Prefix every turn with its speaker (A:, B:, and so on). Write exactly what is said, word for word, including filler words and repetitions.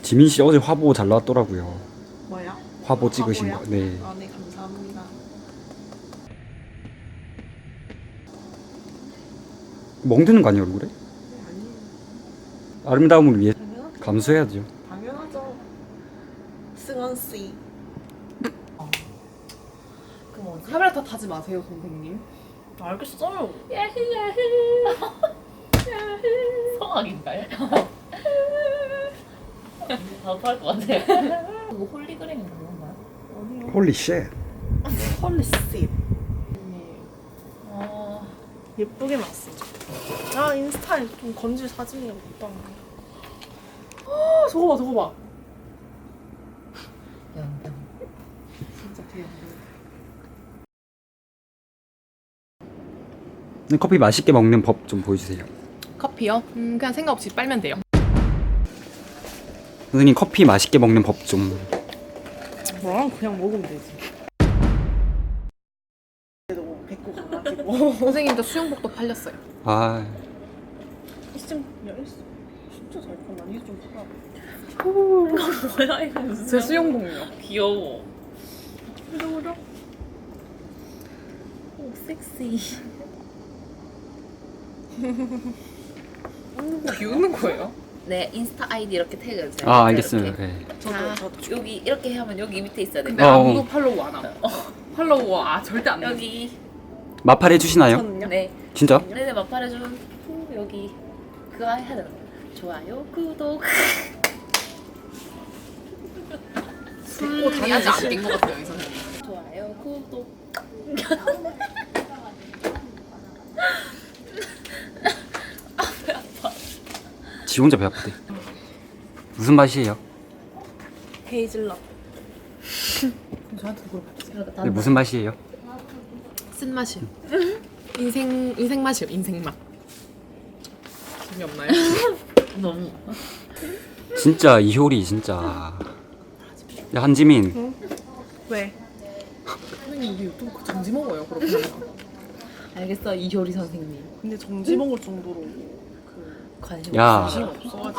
A: 지민 씨 어제 화보 잘 나왔더라고요.
B: 뭐야?
A: 화보 찍으신
B: 화보요?
A: 거. 네.
B: 아, 네, 감사합니다.
A: 멍드는 거 아니에요 얼굴에?
B: 네, 아니에요.
A: 아름다움을 위해
B: 당연하죠.
A: 감수해야죠.
B: 당연하죠. 승원 씨.
C: 그 뭐지? 카메라 탓 하지 마세요, 선생님.
B: 알겠어요.
C: 야히 야히. 성악인가요? 다음 할것 같아. 그거 홀리그램인가 그런가요?
B: 아니요.
A: 홀리 쉣.
B: 헐리 씨.
C: 어...
B: 예쁘게 났어. 아, 인스타에 좀 건질 사진이 없다.
C: 아, 저거 봐, 저거 봐. 연병.
B: 진짜 귀여워.
A: 커피 맛있게 먹는 법 좀 보여주세요.
D: 커피요? 음, 그냥 생각 없이 빨면 돼요.
A: 선생님 커피 맛있게 먹는 법 좀.
B: 뭐랑 그냥 먹으면 되지. 그래도 뱉고 가가지고.
D: 선생님도 수영복도 팔렸어요.
A: 아
B: 이쯤 야, 이 진짜 잘 컸나? 이게 좀 크다.
C: 뭐야 이거 무슨?
D: 제 수영복요.
C: 귀여워.
B: 그죠, 그죠?
C: 오 섹시.
D: 비웃는 거예요?
C: 네 인스타 아이디 이렇게 태그해주세요.
A: 아 알겠습니다. 네.
B: 저도,
C: 자,
B: 저도.
C: 여기 이렇게 하면 여기 밑에 있어야 돼.
D: 근데
A: 어.
D: 아무도 팔로우 안 함. 팔로우 아 절대 안 돼.
C: 여기.
A: 마팔 해주시나요?
B: 저는요?
C: 네.
A: 진짜?
C: 네네 마팔해준 여기 그거 해야 되는 거. 좋아요 구독.
D: 술 다니지 않는 것 같아요, 이 선생님.
C: 좋아요 구독.
A: 지 혼자 배 아프대. 무슨 맛이에요?
B: 헤이즐넛.
D: 저한테 물어봤어요.
A: 네, 무슨 맛이에요?
D: 쓴 맛이요. 인생 인생 맛이요, 인생 맛. 재미없나요?
C: 너무.
A: 진짜 이효리 진짜. 야 한지민.
B: 왜?
D: 선생님 우리 유튜브 정지 먹어요, 그렇게 하면.
C: 알겠어 이효리 선생님.
B: 근데 정지 먹을 정도로 그
C: 관심
A: 야.
C: 없어요.
B: 관심 없어가지고.